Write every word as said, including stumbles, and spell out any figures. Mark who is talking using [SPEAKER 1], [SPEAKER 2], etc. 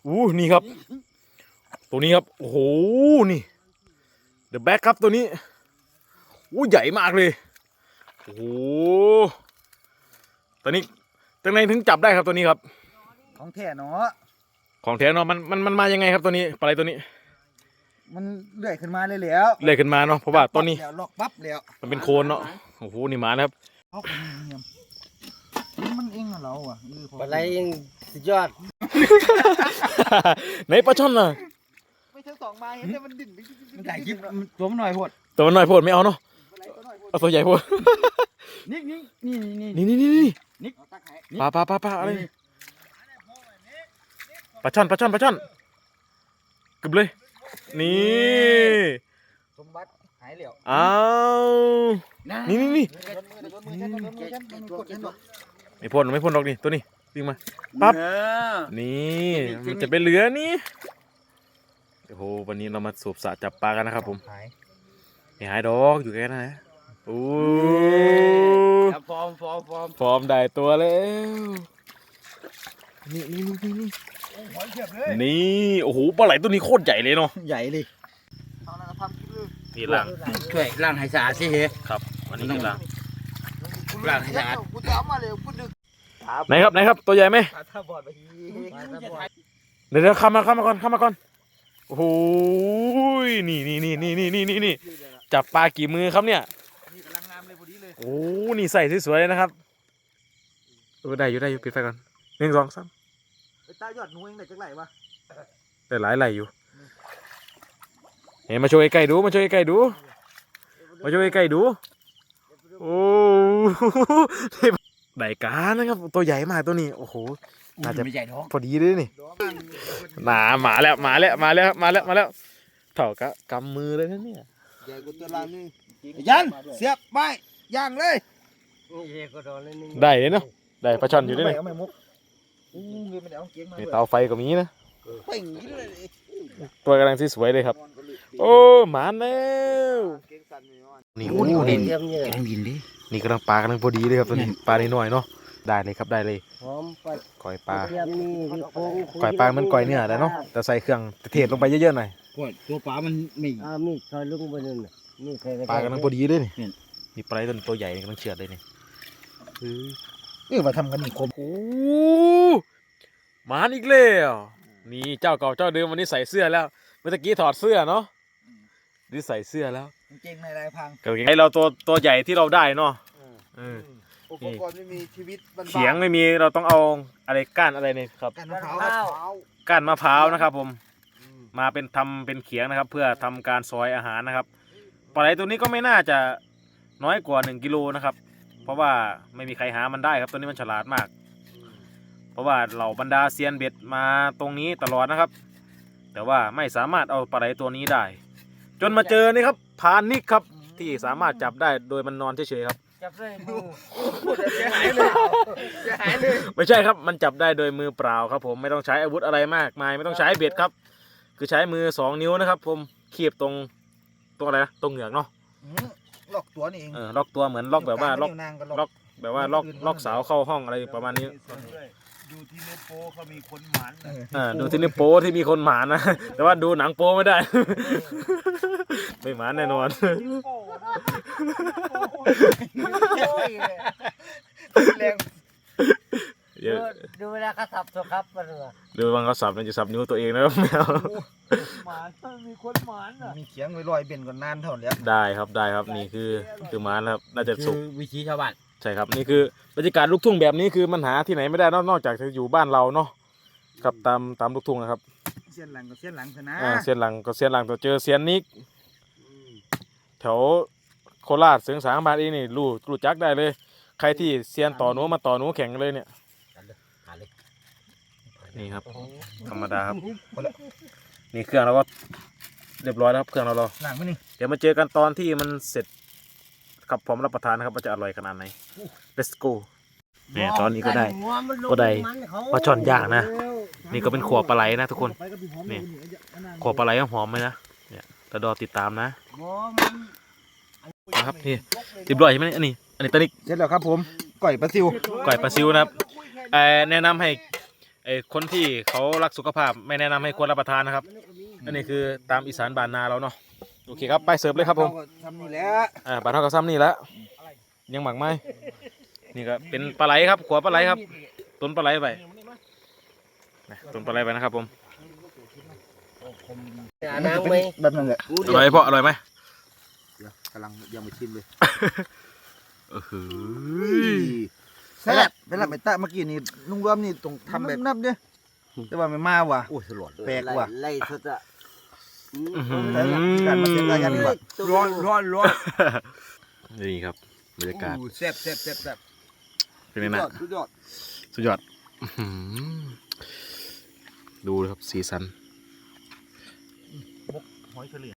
[SPEAKER 1] อู้นี่ครับตัวนี้ครับโอ้โหนี่เดอะแบ็คครับตัวนี้อู้ใหญ่มากเลยโอ้โหตัวนี้ตั้งไหนถึงจับได้ครับตัวนี้ครับ
[SPEAKER 2] ของแท้เนาะ
[SPEAKER 1] ของแท้เนาะมันมันมันมายังไงครับตัวนี้ปลาไหลตัวนี้
[SPEAKER 2] มันเลื่อยขึ้นมาเลยแล้ว
[SPEAKER 1] เลื่อยขึ้นมาเนาะเพราะว่าตัวนี้
[SPEAKER 2] ล็อกปั๊บแล้ว
[SPEAKER 1] มันเป็นโคนเนาะโอ้โหนี่มานะครับ
[SPEAKER 2] เอาเงียบมันเองอะเราอ่ะ
[SPEAKER 3] ปลาไหลยังสุดยอด
[SPEAKER 1] ไหนปลาช่อนน่ะ
[SPEAKER 2] ไม่ทั้งสองมาเห็นแต่มันดิ่งมันถ่ายคลิปตัวมันหน่อยพด
[SPEAKER 1] ตัวมันหน่อยโพดไม่เอาเนาะเอาตัวใหญ่โพด
[SPEAKER 2] นี่นี่นี่
[SPEAKER 1] นี่นี่นี่นี่
[SPEAKER 2] นี่
[SPEAKER 1] ปลาปลาปลาปลาอะไรปลาช่อนปลาช่อนปลาช่อนกึบเลยนี่
[SPEAKER 2] สมบัติหายเหลว
[SPEAKER 1] อ้าวนี่นี่นี่ไม่พ่นไม่พ่นดอกนี่ตัวนี้วิ่งมาปั๊บนี่มันจะเป็นเหลือนี่โอ้โหวันนี้เรามาสูบสระจับปลากันนะครับผมไม่หายดอกอยู่แค่นั้นนะโอ้
[SPEAKER 3] ฟอร์มฟอร์มฟอร์ม
[SPEAKER 1] ฟอร์มได้ตัวแล้วนี่นี่นี่นี่นี่โอ้โหปลาไหลตัวนี้โคตรใหญ่เลยเนาะ
[SPEAKER 2] ใหญ่เลย
[SPEAKER 1] นี่ล่าง
[SPEAKER 3] ช่วยล่างให้สะอาดสิเฮ้
[SPEAKER 1] ครับวันนี้คือล่าง
[SPEAKER 3] ล่างให้สะอาด
[SPEAKER 1] ไหนครับไหนครับตัวใหญ่ไหมเดี๋ยวเดี๋ยวข้ามมาข้ามมาก่อนข้ามมาก่อนโอ้โหนี่นี่นี่นี่นี่นี่นี่จับปลากี่มือครับเนี่ยโอ้นี่ใส่สวยๆเลยนะครับเออได้อยู่ได้อยู่ปิดไฟก่อนหนึ่งสองสาม
[SPEAKER 2] ตายอดหนูเองได้จักไหลวะ
[SPEAKER 1] ได้หลายไหลอยู่เห็นมาช่วยใกล้ดูมาช่วยใกล้ดูมาช่วยใกล้ดูโอ้ได้การนะครับตัวใหญ่มากตัวนี้โอ้โหน่าจะพอดีเลยนี่หนาหมาแล้วมาแล้วมาแล้วมาแล้วมาแล้วเท่ากับกำมือเลยนะเนี่ย
[SPEAKER 2] ใหญ่กว่าตัวลานี่ยันเสียบไปย่างเลย
[SPEAKER 1] ได้เลยเนาะได้ปลาช่อนอยู่ด้วยนี่นี่เตาไฟก็มีนะตัวกำลังสวยเลยครับโอ้หมาแล้วนี่โอ้นี่
[SPEAKER 3] กำลังบินดิ
[SPEAKER 1] นี่กำลังปลากำลังพอดีเลยครับตัวนี้ปลาหน่อยเนาะได้เลยครับได้เลยก่อยปลาก่อยปลามันก่อยเนื้อแล้วเนาะแต่ใส่เครื่องเทศลงไปเยอะๆหน่อย
[SPEAKER 3] ตัวปลามันไม่อ่ามีซอยลุงไปนั่นนี่เคย
[SPEAKER 1] ปลากำลังพอดีเลยนี่นี่ปลาตัวตัวใหญ่นี่กำลังเฉือดเลยนี่
[SPEAKER 2] เออมาทำกันอีกคม
[SPEAKER 1] โอ้หมาอีกแล้วนี่เจ้าเก่าเจ้าเดิมวันนี้ใส่เสื้อแล้วเมื่อกี้ถอดเสื้อเนาะนี่ใส่เสื้อแล้ว
[SPEAKER 2] เก่งในลายพัง
[SPEAKER 1] ไอเราตัวตัวใหญ่ที่เราได้เนาะ
[SPEAKER 2] อุปกรณ์ไม่มีชีวิต
[SPEAKER 1] เขียงไม่มีเราต้องเอาอะไรก้านอะไรเนี่ยครับ
[SPEAKER 2] ก้านมะพร้าว
[SPEAKER 1] ก้านมะพร้าวนะครับผมมาเป็นทำเป็นเขียงนะครับ เพื่อทำการซอยอาหารนะครับปลาไหลตัวนี้ก็ไม่น่าจะน้อยกว่าหนึ่งกิโลนะครับเพราะว่าไม่มีใครหามันได้ครับตัวนี้มันฉลาดมากเพราะว่าเหล่าบรรดาเซียนเบ็ดมาตรงนี้ตลอดนะครับแต่ว่าไม่สามารถเอาปลาไหลตัวนี้ได้จนมาเจอนี่ครับพานิกครับที่สามารถจับได้โดยมันนอนเฉยๆครับ
[SPEAKER 3] จับได้มือ
[SPEAKER 2] จะหายเลยจะหายเลย
[SPEAKER 1] ไม่ใช่ครับมันจับได้โดยมือเปล่าครับผมไม่ต้องใช้อาวุธอะไรมากมายไม่ต้องใช้เบ็ดครับคือใช้มือสองนิ้วนะครับผมคีบตรงตรงอะไรนะตรงเหงือกเนาะ
[SPEAKER 2] ล็อกตัวนี่เอง
[SPEAKER 1] เออล็อกตัวเหมือนล็อกแบบว่าล็อกล็อกแบบว่าล็อกล็อกสาวเข้าห้องอะไรประมาณนี้
[SPEAKER 2] ดูที่เนื้อโป้เขามีคนหมาน
[SPEAKER 1] อ่าดูที่เนื้อโป้ที่มีคนหมานนะแต่ว่าดูหนังโป้ไม่ได้ไม่หมานแน่นอน
[SPEAKER 3] ดูเวลาเขาสับตัวครับมัน
[SPEAKER 1] ดูบางเขาสับมันจะสับนิ้วตัวเองนะครับแมว
[SPEAKER 2] หมานมีคนหมานอ่ะมีเขียงไว้ลอยเบ่นก่อนนานเท่านี้
[SPEAKER 1] ได้ครับได้ครับนี่คือคือหมานครับน่าจะสุก
[SPEAKER 3] วิธีชาวบ้าน
[SPEAKER 1] ใช่ครับนี่คือบรรยากาศลูกทุ่งแบบนี้คือมันหาที่ไหนไม่ได้นอกจากจะอยู่บ้านเราเนาะครับตามตามลูกทุ่งนะครับ
[SPEAKER 2] เสียนหลังก็เสียนหลังชนะ
[SPEAKER 1] อ่าเสียนหลังก็เสียนหลังตัวเจอเสียนนิกแถวโคราชเสียงสางบานเองนี่รู้รู้จักได้เลยใครที่เซียนต่อหนูมาต่อหนูแข่งเลยเนี่ยนี่ครับธรรมดาครับนี่เครื่องเราก็เรียบร้อยแล้วครับเครื่องเราเรา
[SPEAKER 2] หลังไม่นี่
[SPEAKER 1] เดี๋ยวมาเจอกันตอนที่มันเสร็จครับพร้อมรับประทานนะครับว่าจะอร่อยขนาดไหน let's go เนี่ยตอนนี้ก็ได้ก็ได้ปลาช่อนย่างนะนี่ก็เป็นขวบปลาไหลนะทุกคนนี่ขวบปลาไหลหอมไหมนะเนี่ยตะดอติดตามนะนะครับนี่เรียบร้อยใช่ไหมอันนี้อันนี้ตอนนี้
[SPEAKER 2] เสร็จแล้วครับผมก่อยปลาซิว
[SPEAKER 1] ก่อยปลาซิวนะครับแนะนำให้ไอ้คนที่เขารักสุขภาพไม่แนะนำให้ควรรับประทานนะครับอันนี้คือตามอีสานบ้านนาเราเนาะโอเคครับไปเสิร์ฟเลยครับผม
[SPEAKER 2] ทำนี่แหละ
[SPEAKER 1] อ่าปลาเท่ากับซ้ำนี่แหละยังหมักไหมนี่ก็เป็นปลาไหลครับขัวปลาไหลครับต้นปลาไหลไปนะต้นปลาไหลไปนะครับผม
[SPEAKER 3] น้ำไหม
[SPEAKER 2] แบบนั้นแหละ
[SPEAKER 1] อร่อยพ่ออร่อยไหม
[SPEAKER 2] เดี๋ยวกำลังยังไม่ชิมเลย
[SPEAKER 1] เออหื
[SPEAKER 2] แซ่บเวลาไปตะเมื่อกี้นี่ลุงรวมนี่ต้องทำแบบนับเนี่ยแต่ว่าไม่มาว่ะโอ้ยสลดแปลกว่ะ
[SPEAKER 3] ไล่สุดอะ
[SPEAKER 1] อหือ
[SPEAKER 2] แต่ละการมาเช็ดรายการดีกว่าร้อนร้อนร้อน
[SPEAKER 1] นี่ครับบรรยากาศ
[SPEAKER 2] แซ่บแซ่บแซ่บแซ่บ
[SPEAKER 1] เป็นไงนะ
[SPEAKER 2] สุดยอด
[SPEAKER 1] สุดยอดอื้อหือดูครับสีสัน
[SPEAKER 2] หอยเฉลี่ย